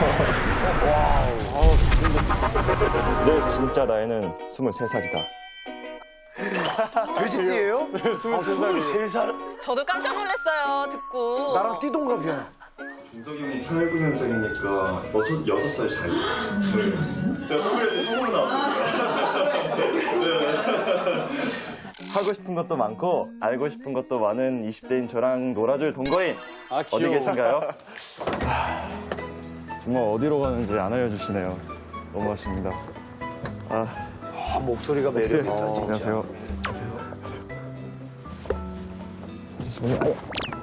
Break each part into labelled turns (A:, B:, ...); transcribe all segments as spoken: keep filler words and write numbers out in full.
A: 와우, 잘생겼어.
B: 내 진짜 나이는 스물세 살이다.
A: 돼지띠예요?
C: 스물세 살이.
A: 세 살.
D: 저도 깜짝 놀랐어요, 듣고.
A: 나랑 띠동갑이야.
B: 준석이 형이 팔구 년생이니까 여섯, 여섯 살 차이. 제가 더블에서 형으로 나왔거든요. 하고 싶은 것도 많고 알고 싶은 것도 많은 이십 대인 저랑 놀아줄 동거인
C: 아,
B: 어디
C: 귀여워.
B: 계신가요? 정말 어디로 가는지 안 알려주시네요. 너무 아쉽니다. 아,
A: 아, 목소리가 매력있다, 진짜.
B: 안녕하세요. 잠시만요.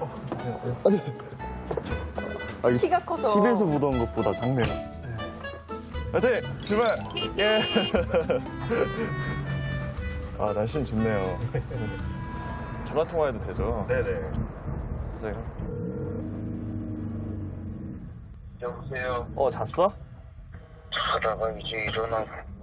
B: 아,
D: 키가 커서.
B: 티비에서 보던 것보다 작네요. 화이팅! 출발! 예! 아, 날씨는 좋네요. 전화 통화해도 되죠? 네네. 제가.
E: 여보세요.
B: 어, 잤어?
E: 자다가 이제 일어나고.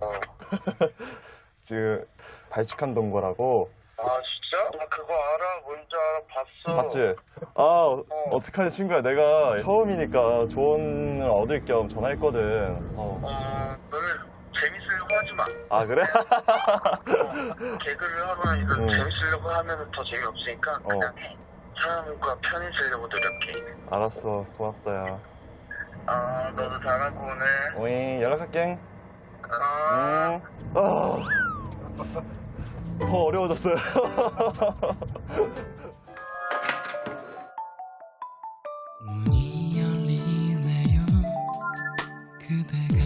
B: 지금 발칙한 동거라고.
E: 아 진짜? 나 그거 알아. 뭔지 알아. 봤어.
B: 봤지? 아, 어. 어떡하냐, 친구야. 내가 처음이니까 조언을 얻을 겸 전화했거든. 어.
E: 어, 너는 재밌으려고 하지 마.
B: 아, 그래?
E: 어, 개그를 하거나 이거
B: 응.
E: 재밌으려고 하면 더 재미없으니까 그냥 해. 사람과 편히 지려고 노력해.
B: 알았어. 고맙다, 야.
E: 아, 너도 잘하고 오네.
B: 오잉, 연락할게.
E: 아.
B: 음. 아. 더 어려워졌어요.
F: 문이 열리네요. 그대가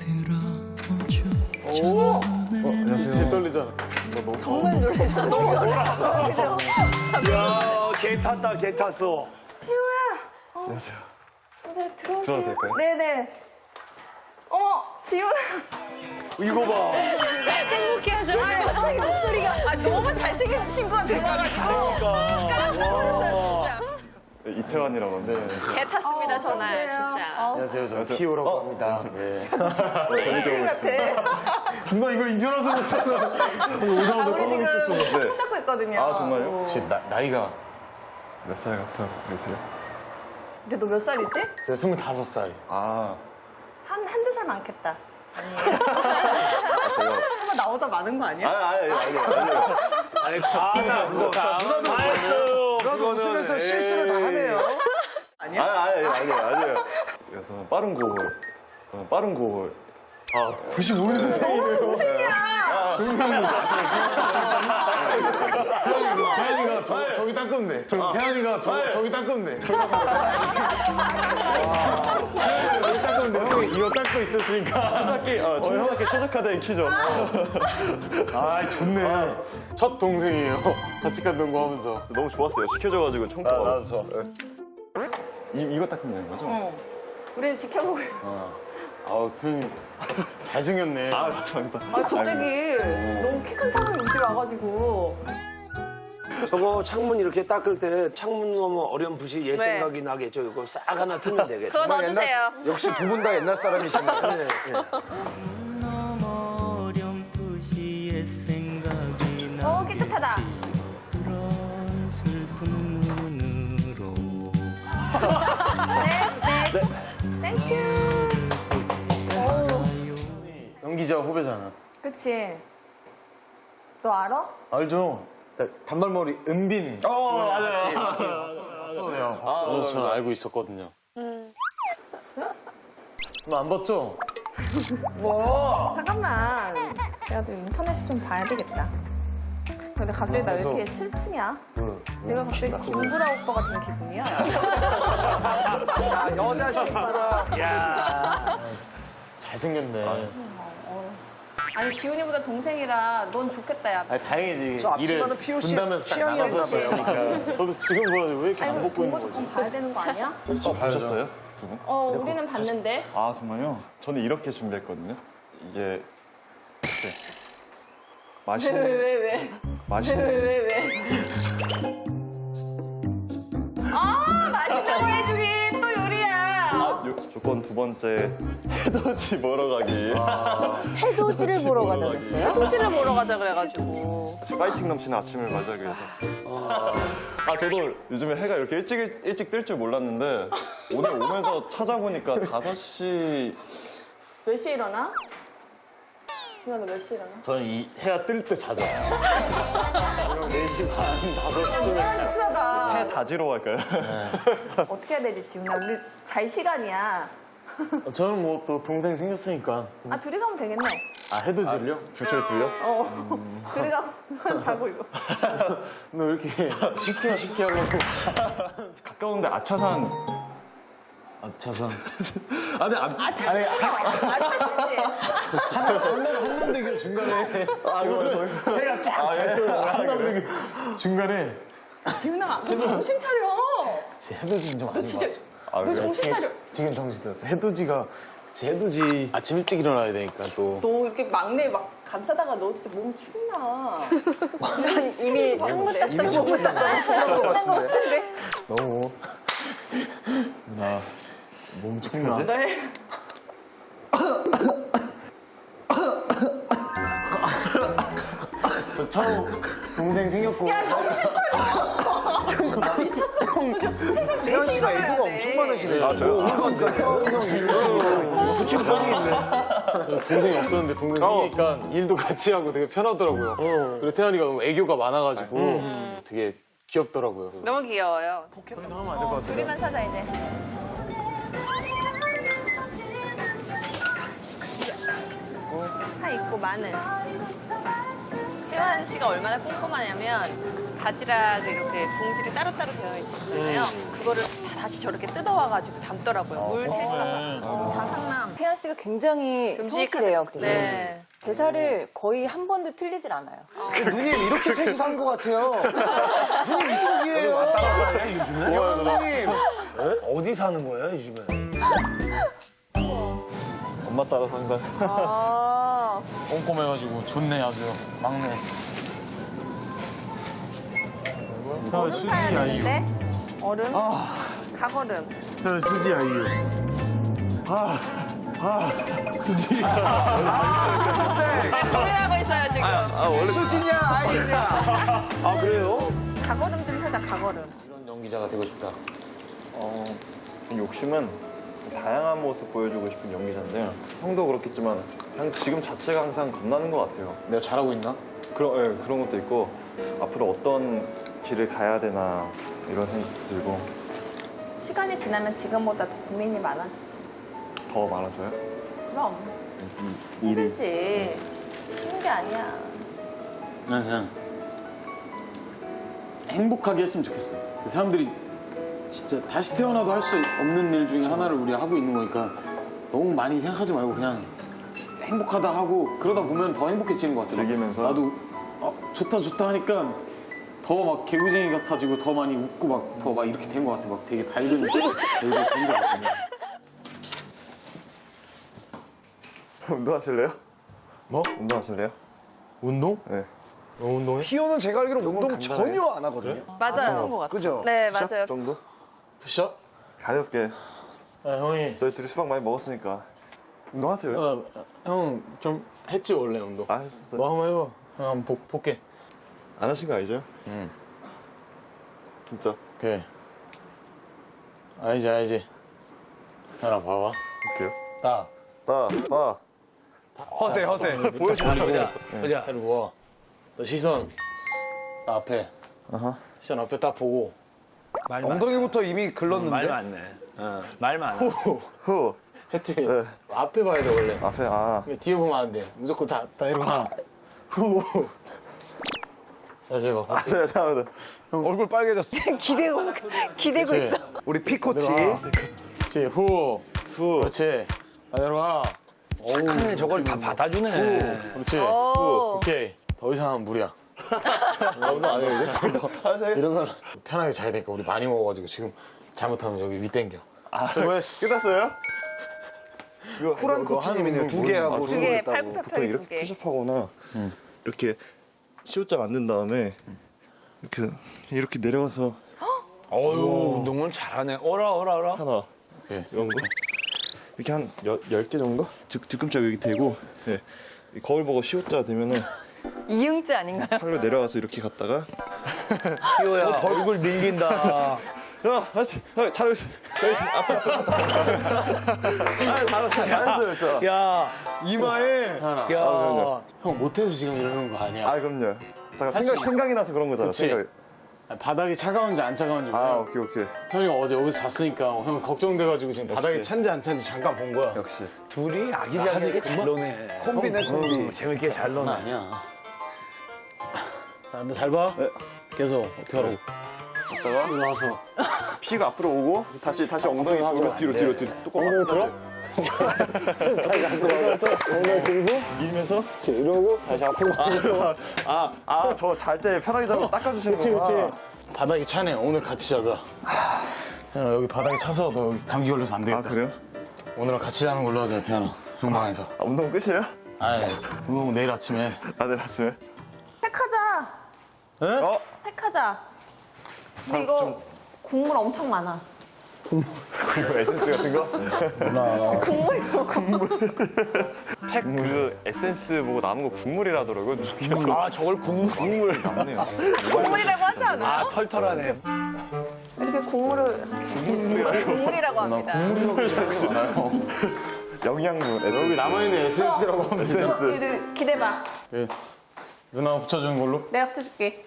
F: 들어오죠.
A: 오!
C: 제일 떨리잖아.
D: 정말 놀라잖아. 너무 놀라죠.
A: 야, 개 탔다, 개 탔어.
B: 안녕하세요.
D: 네, 들어오세요.
B: 들어도 될까요?
D: 네네. 어머, 지훈아.
A: 이거 봐.
D: 행복해하죠. 아니, 갑자기 목소리가. 아, 너무 잘생긴 친구가 들어와가지고. 깜짝 놀랐어요, 진짜.
B: 이태환이라고 하는데.
D: 개 탔습니다, 전화, 진짜.
A: 안녕하세요, 저 피오라고 합니다. 네.
D: 친구 같아.
C: 금방 이거 이편화서 먹잖아. 이거
D: 아,
C: 오자마자
D: 우리 지금
C: 꺼먹고 있었는데.
D: 손 닦고 있거든요.
B: 아, 정말요?
A: 혹시 나, 나이가?
B: 몇 살 같아 보이세요?
D: 근데 너 몇 살이지?
A: 제가 스물다섯 살.
B: 아,
D: 한, 한두 살 많겠다.
B: 제가.
D: 설마 나보다 많은 거 아니야?
B: 아, 아니, 아니, 아니.
A: 아니, 아, 그거 다. 누나도 다 했어요. 누나도 웃으면서 실수를 다 하네요.
D: 아니야?
B: 아니, 아니, 아니, 아니에요. 그래서 빠른 구호를. 저는 빠른 구호를. 아,
C: 구십오 년생이세요. 혜연이가 저, 저기 닦으면 돼. 저, 혜연이가 저, 저기 닦으면 돼. 저기 닦으면 돼. 형이 이거 닦고 있었으니까.
B: 닦기, 어, 청소학기 최적화된 키죠.
C: 아, 좋네. 첫 동생이에요. 같이 간 동거 하면서.
B: 너무 좋았어요. 시켜줘가지고 청소가.
A: 나도 좋았어.
B: 이, 이거 닦으면 되는 거죠?
D: 응. 우리는 지켜보고.
C: 아우, 태현이 잘생겼네.
B: 아, 감사합니다.
D: 아, 갑자기 너무 키 큰 사람이 우리 집에 와가지고.
A: 저거 창문 이렇게 닦을 때 창문 너무 어렴풋이 옛
D: 네.
A: 생각이 나겠죠. 이거 싹 하나 틀면 되겠죠.
D: 그거 넣어주세요.
A: 역시 두 분 다 옛날 사람이시네요. 네, 네.
F: 너무 어렴풋이 옛 생각이 나.
D: 오, 깨끗하다.
F: 그런 슬픈 눈으로.
D: 네, 네. 땡큐. 오,
C: 연기자 후배잖아.
D: 그치. 너 알아?
C: 알죠? 단발머리 은빈.
B: 어, 맞아요.
C: 봤어요. 봤어요. 저는 알고 있었거든요. 음. 안 봤죠?
D: 잠깐만. 내가 또 인터넷을 좀 봐야 되겠다. 근데 갑자기 나 왜 이렇게 슬프냐? 내가 갑자기 김구라 오빠 같은 기분이야.
A: 아, 여자 친구라. 야.
C: 잘생겼네.
D: 아니, 지훈이보다 동생이라 넌 좋겠다, 야.
C: 아니, 다행이지.
A: 저
C: 일을
A: 앞치마는 피오 씨
C: 분담해서 딱
A: 취향이었나
C: 나눠서 했으니까. 저도 지금 보여서 왜 이렇게 안
D: 아이고,
C: 벗고 있는
D: 본거
C: 거지?
D: 조금 봐야 되는 거 아니야?
B: 어, 보셨어요? 두 분?
D: 어, 우리는 봤는데.
B: 아, 정말요? 저는 이렇게 준비했거든요. 이게. 이렇게.
D: 왜,
B: 맛있는.
D: 왜, 왜, 왜? 왜,
B: 맛있는.
D: 왜, 왜? 아, 맛있는 거 해주기 또 요리야.
B: 아, 요, 저 무조건 두 번째 해돋이 보러 가기.
G: 해돋이를 보러 가자 그랬어요?
D: 토지를 보러 가자 그래가지고.
B: 파이팅 넘치는 아침을 맞이하기 위해서. 아 저도 요즘에 해가 이렇게 일찍 일찍 뜰 줄 몰랐는데 오늘 오면서 찾아보니까 다섯 시
D: 몇 시에 일어나? 승아 너 몇 시에 일어나?
C: 저는 이 해가 뜰 때 자죠. 네 시 반, 다섯 시쯤에 자요.
D: 수하다.
B: 해 다지러 갈까요?
D: 어떻게 해야 되지 지훈아? 우리 잘 시간이야.
C: 저는 뭐 또 동생 생겼으니까.
D: 아 둘이 가면 되겠네.
C: 아, 해돋이를요?
B: 둘째 둘요?
D: 어. 둘이 가면 난 자고 이거.
C: 너 이렇게 쉽게 쉽게 하려고.
B: 가까운데 아차산.
C: 아차산.
B: 아니 안.
D: 아차 싫어. 아차 싫지.
C: 한남대교 중간에.
B: 아 이거
C: 해가 쫙잘 떠요. 한남대교 중간에.
D: 지훈아 너 정신 차려.
C: 제 해돋이는 좀
D: 너
C: 아닌
D: 진짜
C: 것 같아.
B: 아,
D: 너
B: 그래요?
D: 정신 차려.
C: 지금 정신 들었어. 해돋이가 제 해돋이 아침 일찍 일어나야 되니까 또.
D: 너 이렇게 막내 막 감싸다가 너 진짜 몸 죽나?
G: 아니 이미 창문 딱딱 창문 딱딱 지난 것 같은데.
C: 너무 나 몸 촉나.
D: 네.
C: 저 처음 동생 생겼고.
D: 야 정신 차려. 미쳤어.
A: 태현 씨가 애교가 엄청 많으시네.
B: 아 저요?
A: 부침성이 있네.
C: 동생이 없었는데 동생 생기니까 일도 같이 하고 되게 편하더라고요. 그리고 태연이가 너무 애교가 많아가지고 되게 귀엽더라고요.
D: 너무 귀여워요.
C: 그래서 하면 안 될 것 같아요.
D: 둘이만 사자 이제. 파 있고 마늘. 태환 씨가 얼마나 꼼꼼하냐면 바지락 이렇게 봉지를 따로따로 되어 있잖아요. 그거를 다 다시 저렇게 뜯어와가지고 담더라고요. 물 택하서. 자상남.
G: 태연 씨가 굉장히 성실해요. 그리고
D: 네.
G: 대사를 거의 한 번도 틀리질 않아요.
A: 누님 이렇게 셋이 산 것 같아요. 누님 이쪽이에요. 누님 어디 사는 거예요 요즘에?
B: 엄마 따라 산다.
D: 아.
C: 꼼꼼해가지고 좋네 아주 막내. 태연 수지 아이유.
D: 되는데? 얼음? 가거름.
C: 태연 수지 아이유. 수지.
D: 고민하고 있어요 지금.
A: 수진이야 아이냐? 아 그래요?
D: 가거름 좀 찾아 가거름.
C: 이런 연기자가 되고 싶다.
B: 어, 욕심은 다양한 모습 보여주고 싶은 연기자인데 형도 그렇겠지만 그냥 지금 자체가 항상 겁나는 것 같아요.
C: 내가 잘하고 있나?
B: 그런 예, 그런 것도 있고 앞으로 어떤 길을 가야 되나 이런 생각도 들고
D: 시간이 지나면 지금보다 더 고민이 많아지지.
B: 더 많아져요.
D: 그럼
B: 일이
D: 힘들지. 쉬운 게 아니야.
C: 난 그냥 행복하게 했으면 좋겠어. 사람들이 진짜 다시 태어나도 할 수 없는 일 중에 하나를 우리가 하고 있는 거니까 너무 많이 생각하지 말고 그냥 행복하다 하고 그러다 보면 더 행복해지는 것 같아.
B: 즐기면서?
C: 나도 어, 좋다 좋다 하니까 더 막 개구쟁이 같아지고 더 많이 웃고 막 더 막 이렇게 된 것 같아. 막 되게 밝은 얼굴이 된 것 같아.
B: 운동하실래요?
C: 뭐?
B: 운동하실래요?
C: 운동?
B: 네.
C: 어, 운동해?
A: 희호는 제가 알기로 운동
B: 간단해.
A: 전혀 안 하거든요.
D: 맞아요.
A: 그죠?
D: 네
B: 푸시업
D: 맞아요.
B: 정도?
C: 푸시업?
B: 가볍게.
C: 아, 형이
B: 저희 둘이 수박 많이 먹었으니까 운동하세요?
C: 어, 형 좀 했지 원래 운동.
B: 아 했었어요.
C: 뭐 한번 해봐. 형 한번 보, 볼게.
B: 안 하신 거 아니죠?
C: 응.
B: 진짜
C: 오케이. 알지 알지. 하나 봐봐.
B: 어떻게요?
C: 딱.
B: 나 봐.
A: 허세 허세.
C: 보여주라고.
A: 보자.
C: 해를 모아. 너 시선 나 앞에.
B: 아하.
C: 시선 앞에 딱 보고.
A: 엉덩이부터 이미 글렀는데.
H: 말 많네. 어, 말 많아.
B: 후.
C: 했지.
B: 네.
C: 앞에 봐야 돼 원래.
B: 앞에 아.
C: 근데 뒤에 보면 안 돼. 무조건 다, 다 이러고 하나. 후. 다시 해봐.
B: 아, 제가 잠깐만.
A: 얼굴 빨개졌어.
G: 기대고 기대고
C: 그렇지.
G: 있어.
A: 우리 피코치.
C: 그렇지. 후.
B: 후.
C: 그렇지. 다 내려와.
H: 착하네, 저걸 다 받아주네.
C: 그렇지.
D: 오.
C: 오케이. 더 이상은 무리야.
B: 운동 안 해요 이제?
C: 이런 건 편하게 자야 되니까 우리 많이 먹어가지고 지금 잘못하면 여기 위 땡겨. 아, 수고했어.
B: 끝났어요?
A: 쿨한 코치님이네요. 두 개 하고
D: 두 개,
A: 스물
D: 팔굽혀
B: 보통
D: 펴기 두
B: 이렇게
D: 개.
B: 푸시업하거나 이렇게 시옷자 만든 다음에 이렇게 이렇게 내려가서
H: 어유 운동을 잘하네. 어라 어라 어라.
B: 하나
C: 오케이.
B: 이런 거 이렇게 한 열 개 정도? 뒤, 뒤꿈치 여기 대고 네. 이 거울 보고 시옷자 되면은
G: 이응지 아닌가요?
B: 팔로 내려와서 이렇게 갔다가
H: 피오야 얼굴 밀린다.
B: 야, 다시, 아, 잘하고 있어. 잘하고 있어. 앞에, 앞에. 아, 잘하고 있어. 잘했어요, 진짜.
H: 야,
C: 이마에
H: 야.
B: 그럼요.
C: 형 못해서 지금 이러는 거 아니야.
B: 아, 그럼요. 잠깐 생각, 생각이 나서 그런 거잖아,
C: 그치.
B: 생각이.
C: 바닥이 차가운지 안 차가운지.
B: 아,
C: 몰라.
B: 오케이, 오케이.
C: 형이 어제 여기서 잤으니까 형 걱정돼가지고 지금 바닥이 찬지 안 찬지 잠깐 본 거야.
B: 역시.
H: 둘이 아기자기하게 잘 노네. 콤비네 콤비. 재밌게 잘 노네.
C: 아니야. 자, 잘 봐.
B: 네.
C: 계속 어떻게 하라고.
B: 갔다가
C: 일어나서.
B: 피가 앞으로 오고 다시 다시 엉덩이
C: 앞으로
B: 뒤로
C: 하지
B: 뒤로
C: 마.
B: 뒤로 뒤로 뚜껑
C: 엉덩이 들어? 엉덩이 들고
B: 밀면서
C: 이러고 다시 앞으로
B: 아, 아, 저 잘 때 편하게 잡고 닦아주시는
C: 그치
B: 거구나.
C: 그치. 바닥이 차네. 오늘 같이 자자. 야, 여기 바닥이 차서 너 여기 감기 걸려서 안 되겠다.
B: 아, 그래요?
C: 오늘은 같이 자는 걸로 하자, 태연아. 형 방에서.
B: 아, 운동 끝이에요?
C: 아이, 운동 내일 아침에.
B: 아, 내일 아침에?
G: 팩하자.
C: 에?
B: 어?
G: 팩하자. 근데 이거 국물 엄청 많아.
B: 그리고 에센스 같은 거?
G: 국물도 국물.
B: 팩 그 에센스 보고 남은 거 국물이라더라고요.
H: 아, 저걸 국물.
B: 국물 남네요.
G: 국물이라고 하지 않아요?
H: 아, 털털하네.
G: 이렇게 국물을 이렇게 국물이라고 합니다.
C: 국물이라고 생각하지 말아요.
B: 영양분 에센스.
C: 여기 남아있는 에센스라고 하면 돼.
B: 에센스.
G: 이거 기대봐.
C: 예. 누나가 붙여주는 걸로?
G: 내가 붙여줄게.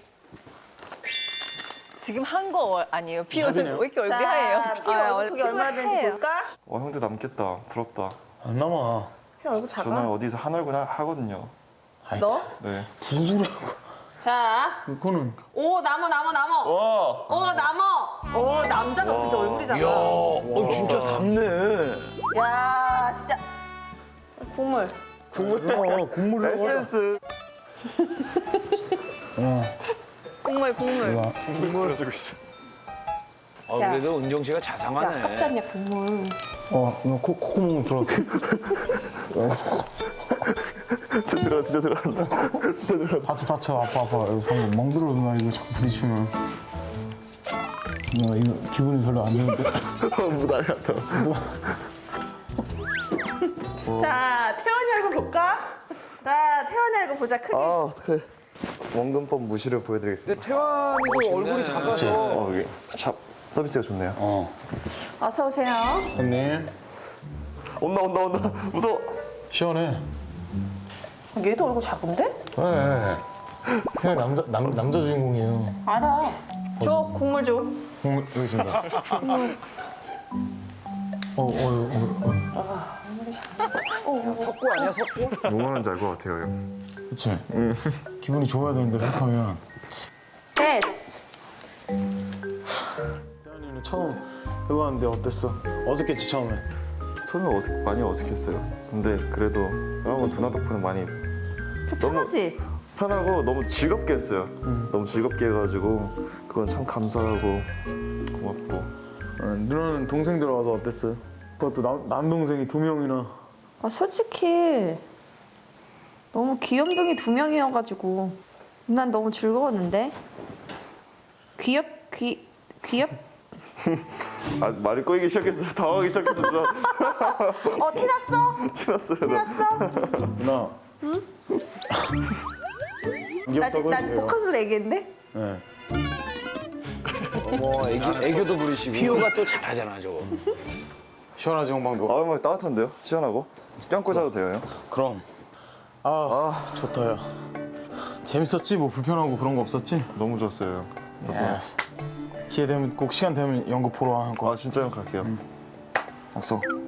D: 지금 한 거 아니에요? 피오는
C: 사비네요.
D: 왜 이렇게 얼굴이 하얘요?
G: 피오 얼굴이 얼마든지 볼까?
B: 와, 형도 남겠다. 부럽다.
C: 안 남아.
G: 피오 얼굴 작아.
B: 저는 어디서 한 얼굴 하- 하거든요.
G: 너?
B: 네.
C: 무슨 소리 하고.
G: 자.
C: 그거는.
G: 오 나무 나무 나무.
B: 와!
G: 오 나무. 오 남자가 진짜 얼굴이 작아.
H: 이야, 어, 진짜 남네.
G: 야 진짜. 국물.
C: 어, 국물을.
B: 에센스.
G: 국물 국물.
B: 국물 해주고 있어.
H: 어, 그래도 은정 씨가 자상하네.
G: 깝잖냐 국물.
C: 어, 이거 코, 콧구멍 들어왔어.
B: 진짜 들어, 진짜 들어간다. 진짜 들어.
C: 다쳐, 다쳐. 아파, 아파. 이거 방금 멍들어, 누나. 이거 자꾸 부딪히면. 누나, 이거 기분이 별로 안 좋은데.
B: 뭐 난리 났다.
G: 자 태연이 얼굴 볼까? 자 태연이 얼굴 보자 크게.
B: 아, 어떡해. 원근법 무시를 보여드리겠습니다.
A: 태환이도 얼굴이 작아서.
B: 어, 여기 샵 서비스가 좋네요.
C: 어.
G: 어서 오세요.
C: 형님,
B: 온다, 온다, 온다. 무서워.
C: 시원해.
G: 얘도 얼굴 작은데?
C: 그래. 형 남자, 남, 남자 주인공이에요.
G: 알아. 줘 국물 줘.
C: 어, 여기 있습니다. 어, 어, 어, 어.
A: 석구 아니야, 석구?
B: 뭐 하는지 알 것 같아요, 형.
C: 그치? 기분이 좋아야 되는데 그렇게 하면.
G: 됐어.
C: 태연이는 처음 해봤는데 어땠어? 어색했지, 처음에?
B: 처음에 어색, 많이 어색했어요. 근데 그래도 여러분 누나 덕분에 많이
G: 편하지?
B: 편하고 너무 즐겁게 했어요. 너무 즐겁게 해가지고 그건 참 감사하고 고맙고.
C: 어, 누나는 동생들 와서 어땠어요? 그것도 남, 남동생이 두 명이나.
G: 아 솔직히 너무 귀염둥이 두 명이어가지고 난 너무 즐거웠는데. 귀엽 귀 귀엽.
B: 아, 말이 꼬이기 시작했어요. 당황하기 시작했어. 누나.
G: 어 티났어?
B: 티났어요. 나.
G: 티났어?
C: 누나. 응?
G: 나 아직 나 아직 포커스로 얘기했는데.
C: 네.
A: 어머, 애기, 애교도 부리시고.
H: 피오가 또 잘하잖아, 저거.
C: 시원하지, 형방도?
B: 아, 막 따뜻한데요? 시원하고? 껴안고 자도 돼요, 형?
C: 그럼. 아, 좋다, 야. 재밌었지? 뭐 불편하고 그런 거 없었지?
B: 너무 좋았어요.
C: 예스. 기회 되면 꼭 시간 되면 연극 보러 와, 한 거.
B: 아, 진짜 형 갈게요.
C: 약속.